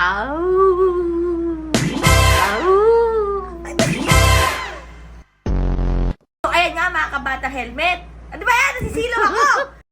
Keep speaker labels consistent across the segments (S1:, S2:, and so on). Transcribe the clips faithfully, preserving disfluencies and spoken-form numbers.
S1: Au! Au!
S2: So, ayan nga mga kabata helmet. Ano ba yan? Nasisilaw ako!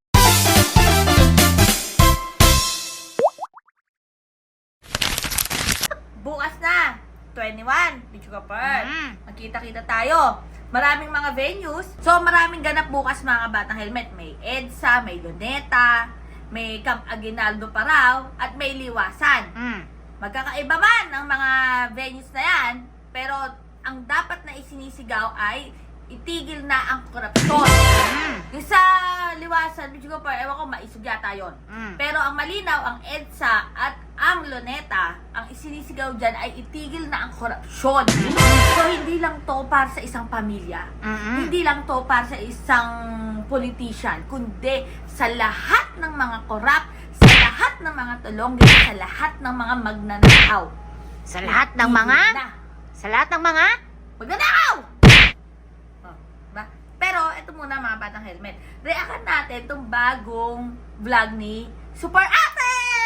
S2: Bukas na, twenty-one, Bicho Kapar.
S1: Mm.
S2: Magkita-kita tayo. Maraming mga venues. So, maraming ganap bukas mga batang helmet. May EDSA, may Luneta, may Camp Aguinaldo pa raw, at may Liwasan.
S1: Mm.
S2: Magkakaiba man ang mga venues na yan, pero ang dapat na isinisigaw ay itigil na ang korupsyon.
S1: Mm.
S2: Yung sa Liwasan, Bicho Kapar, ewan ko, maisog yata yun.
S1: Mm.
S2: Pero ang malinaw, ang EDSA at ang Luneta, ang isinisigaw dyan ay itigil na ang korupsyon. So, hindi lang to para sa isang pamilya.
S1: Mm-mm.
S2: Hindi lang to para sa isang politician, kundi sa lahat ng mga korap, sa lahat ng mga tulong, sa lahat ng mga magnanakaw.
S1: Sa lahat ng mga...
S2: Na.
S1: Sa lahat ng mga...
S2: Magnanakaw! Oh, ba? Pero, ito muna mga batang helmet. React natin itong bagong vlog ni Super Ate!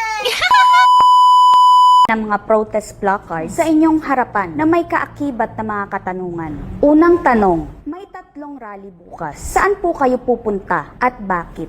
S3: ng mga protest placards sa inyong harapan na may kaakibat na mga katanungan. Unang tanong, may tatlong rally bukas. Saan po kayo pupunta at bakit?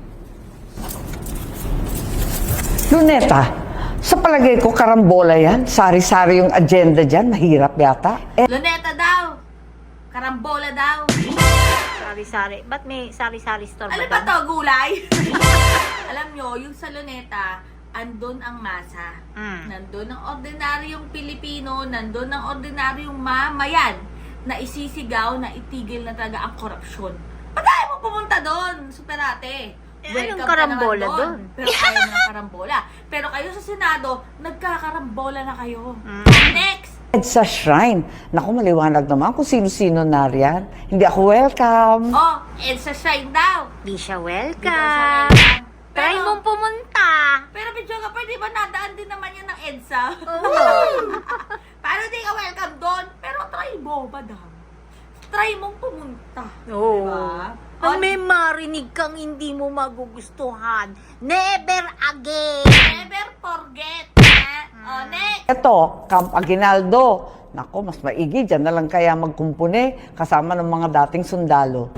S4: Luneta, sa palagay ko karambola yan. Sari-sari yung agenda dyan. Mahirap yata. Eh,
S2: Luneta daw! Karambola daw!
S1: Sari-sari. Ba't may sari-sari store
S2: Ano ba
S1: ba
S2: to, gulay? Alam nyo, yung sa Luneta, andun ang masa.
S1: Mm.
S2: Nandun ang ordinaryong Pilipino, nandun ang ordinaryong mamayan na isisigaw na itigil na talaga ang korupsyon. Ba't ayaw mo pumunta doon, Super Ate?
S1: Eh,
S2: Welcome
S1: anong
S2: ka
S1: karambola
S2: naman
S1: doon?
S2: Pero ayaw mo ng karambola. Pero kayo sa Senado, nagkakarambola na kayo.
S1: Mm.
S2: Next!
S4: sa shrine. Naku, maliwanag naman kung sino-sino na riyan. Hindi ako welcome.
S2: Oh, Elsa Shine daw.
S1: Di siya
S2: Di daw siya
S1: welcome.
S2: welcome.
S1: Try
S2: Pero-
S1: mong pumunta.
S2: Pero Bidyo ka pa, di ba nadaan din naman yan ng EDSA?
S1: Oo.
S2: Paano di ka welcome doon? Pero try mo, madam. Try mong pumunta.
S1: Oo.
S2: Diba?
S1: Pag may marinig kang hindi mo magugustuhan, never again.
S2: Never forget. Ha? O, next.
S4: Ito, Camp Aguinaldo. Naku, mas maigi. Diyan na lang kaya magkumpune kasama ng mga dating sundalo.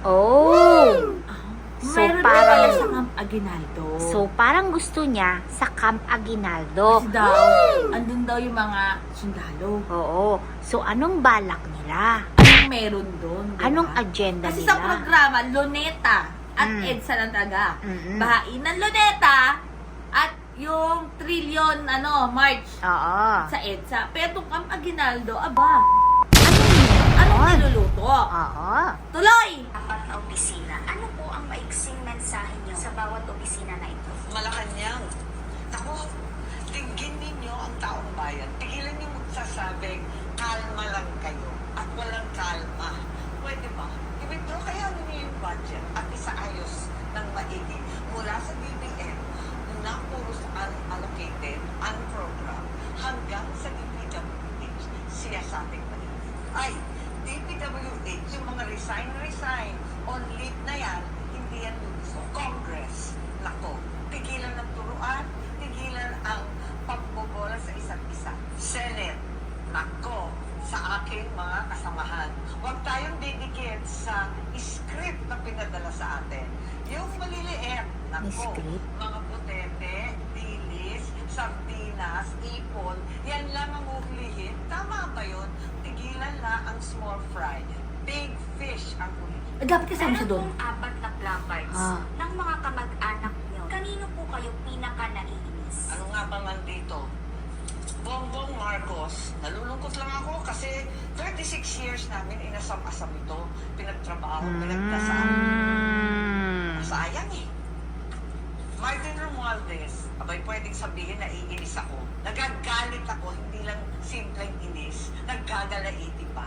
S1: Oh. So,
S2: Meron
S1: parang-
S2: na pala sa Camp Aguinaldo.
S1: So, parang gusto niya sa Camp Aguinaldo.
S2: Kasi daw, andun daw yung mga sundalo.
S1: Oo. So, anong balak nila?
S2: Anong meron doon? diba?
S1: Anong agenda
S2: Kasi
S1: nila?
S2: sa programa, Luneta at
S1: Mm.
S2: EDSA lang talaga.
S1: Mm-mm.
S2: Bahain ng Luneta at yung trillion ano, March
S1: Oo.
S2: sa EDSA. Pero itong Camp Aguinaldo, aba,
S1: Ano
S2: anong
S1: yun?
S2: niluluto?
S1: Oo.
S2: Tuloy!
S5: Apat na opisina. Ano po ang maiksing mensahe niyo sa bawat opisina na ito?
S6: Malacanang. Ako, tigin ninyo ang taong bayan. Tigilan niyo magsasabing, kalma lang kayo. At walang kalma. Pwede ba? I-withdraw kaya ninyo yung budget at isaayos ng maigi mula sa B B M na puro sa unallocated, unprogram, hanggang sa D P W H. Siya sa ating maigi. Ay, D P W H, yung mga resign-resign on leave na yan, hindi yan gusto. Congress, nako, tigilan ng turuan, tigilan ang pagbobola sa isa't isa. Senate, nako, sa aking mga kasamahan. Huwag tayong didikit sa script na pinadala sa atin. Yung maliliit, nako,
S1: Script?
S6: mga putete, dilis, sardinas, ipon, yan lang ang uhulihin. Tama ba yun? Tigilan na ang small fry. Big fish ang ulihin.
S2: Eh, dapat kasama siya doon.
S5: Meron pong apat na placards
S1: Ah.
S5: ng mga kamag-anak niyo. Kanino po kayo pinaka-naiinis?
S6: Ano nga ba nandito? Bongbong Marcos, nalulungkot lang ako kasi thirty-six years namin inasam-asam ito. Pinagtrabaho, pinagdasal.
S1: Mm.
S6: Sayang eh. Martin Romualdez, abay pwedeng sabihin na iinis ako. Nagagalit ako, hindi lang simpleng inis. Naggagalaiti pa.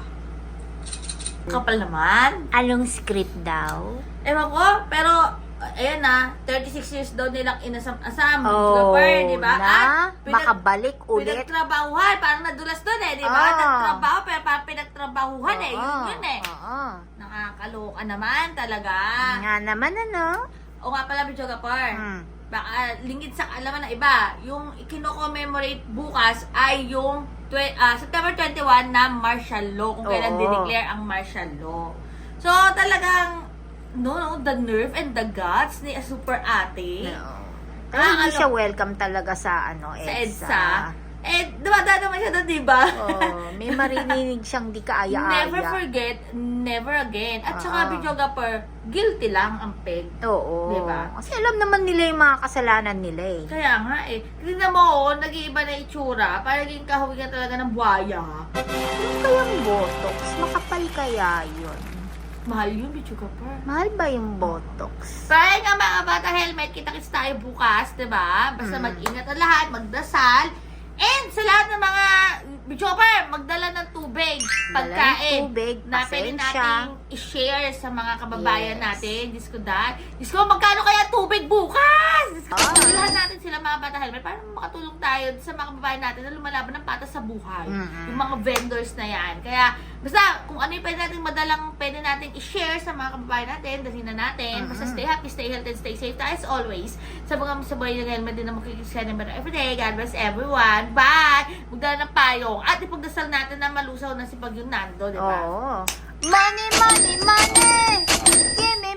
S2: Kapal naman.
S1: Anong script daw?
S2: Ewan ko, pero, uh, ayan na, thirty-six years daw nilang inasam-asam.
S1: Oh,
S2: Super, di ba?
S1: na
S2: At pinag-
S1: makabalik ulit.
S2: Pinagtrabahuhan, parang nadulas doon eh, di ba?
S1: Ah.
S2: Nagtrabaho, pero parang pinagtrabahuhan eh. Yun
S1: Oo,
S2: yun eh.
S1: Oo.
S2: Nakakaloka naman talaga.
S1: Nga naman ano?
S2: O nga pala, Bicho Gapar.
S1: Hmm.
S2: baka lingid sa kaalaman ng iba, yung kino-commemorate bukas ay yung tw- ah, September twenty-first na martial law, kung kailan
S1: Oo.
S2: dineclare ang martial law. So, talagang, no, no, the nerve and the guts ni Super Ate.
S1: No.
S2: Ah,
S1: Kaya hindi
S2: ano?
S1: siya welcome talaga sa ano,
S2: Sa
S1: EDSA.
S2: EDSA. Eh, dumadaan naman siya doon, diba?
S1: Oh, may marinig siyang di kaaya-aya.
S2: Never forget, never again. At saka,
S1: Oo.
S2: videographer, guilty lang ang peg.
S1: Oo.
S2: Diba?
S1: Kasi alam naman nila yung mga kasalanan nila eh.
S2: Kaya nga eh. Tignan mo, oh, nag-iiba na itsura. Parang naging kahawigan talaga ng buhaya.
S1: Ano kayang botox? Makapal kaya yun?
S2: Mahal yun, videographer.
S1: Mahal ba yung botox?
S2: Kaya nga mga bata helmet, kita-kits tayo bukas, diba? Basta
S1: Mm.
S2: mag-ingat ang lahat, magdasal. And sa lahat ng mga videographer, magdala ng tubig,
S1: Dala ng
S2: pagkain.
S1: tubig,
S2: na pwede
S1: pasensya.
S2: nating i-share sa mga kababayan
S1: Yes.
S2: natin. Diyos ko dahil. Diyos ko, magkano kaya tubig bukas? Diyos ko,
S1: Ah.
S2: bilhan natin sila mga bata helmet para makatulong tayo sa mga kababayan natin na lumalaban ng patas sa buhay.
S1: Mm-mm.
S2: Yung mga vendors na yan. Kaya, basta, kung ano yung pwede natin madalang, pwede natin i-share sa mga kababayan natin, dalhin na natin. Basta stay happy, stay healthy, and stay safe tayo as always. Sa mga sa buhay ng helmet din na makikisya ng everyday. God bless everyone. Bye! Magdala ng payong. At ipagdasal natin na malusaw na si Pag yung Nando, di ba?
S1: Oo. Money, money, money! Give me